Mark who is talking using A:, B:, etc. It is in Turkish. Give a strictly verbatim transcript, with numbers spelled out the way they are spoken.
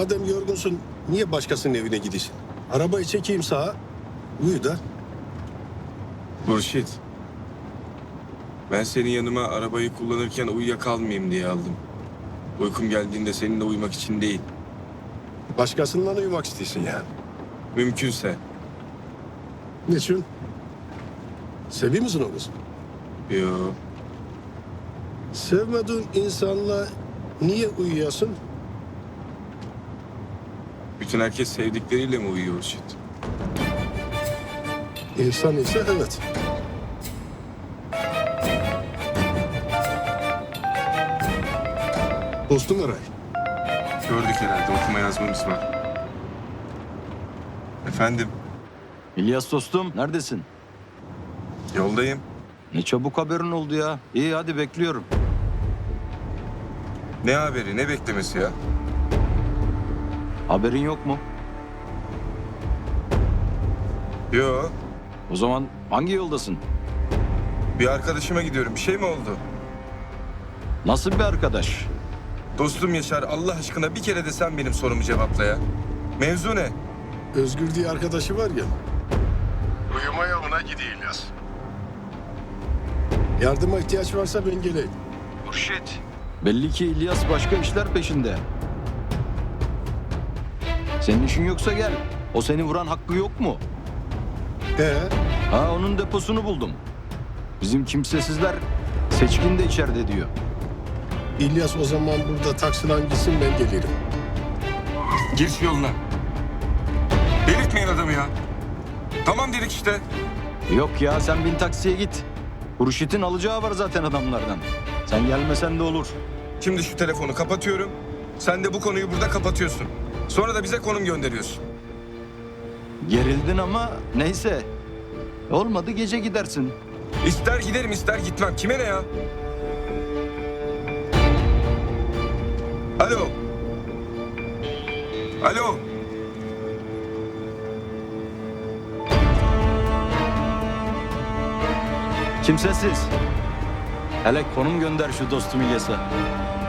A: Madem yorgunsun niye başkasının evine gidiyorsun? Arabayı çekeyim sağa. Uyu da.
B: Hurşit. Ben seni yanıma arabayı kullanırken uyuyakalmayayım diye aldım. Uykum geldiğinde seninle uyumak için değil.
A: Başkasından uyumak istiyorsun yani.
B: Mümkünse.
A: Niçin? Seviyor musun o kızı?
B: Yo.
A: Sevmediğin insanla niye uyuyasın?
B: Bütün herkes sevdikleriyle mi uyuyor Hurşit?
A: İnsan ise evet. Dostum Eray.
B: Gördük herhalde, okuma yazmamız var. Efendim,
C: İlyas dostum neredesin?
B: yoldayım.
C: Ne çabuk haberin oldu ya. İyi hadi bekliyorum.
B: Ne haberi, ne beklemesi ya?
C: Haberin yok mu?
B: Yo,
C: O zaman hangi yoldasın?
B: bir arkadaşıma gidiyorum. Bir şey mi oldu?
C: Nasıl bir arkadaş?
B: Dostum Yaşar, Allah aşkına bir kere de sen benim sorumu cevapla ya. Mevzu ne?
A: Özgür diye arkadaşı var ya. Uyumaya ona gidiyor İlyas. Yardıma ihtiyaç varsa ben geleyim.
C: Hurşit. Belli ki İlyas başka işler peşinde. Senin işin yoksa gel. O seni vuran hakkı yok mu?
A: Ee,
C: Ha onun deposunu buldum. Bizim kimsesizler Seçkin de içeride diyor.
A: İlyas o zaman burada taksilen gitsin ben gelirim.
B: Gir şu yoluna. Delirtmeyin adamı ya. Tamam dedik işte.
C: Yok ya sen bin taksiye git. Hurşit'in alacağı var zaten adamlardan. Sen gelmesen de olur.
B: Şimdi şu telefonu kapatıyorum. Sen de bu konuyu burada kapatıyorsun. Sonra da bize konum gönderiyorsun.
C: Gerildin ama neyse. Olmadı gece gidersin.
B: İster giderim ister gitmem. Kime ne ya? Alo. Alo.
C: Kimsesiz. Hele konum gönder şu dostum İlyas'a.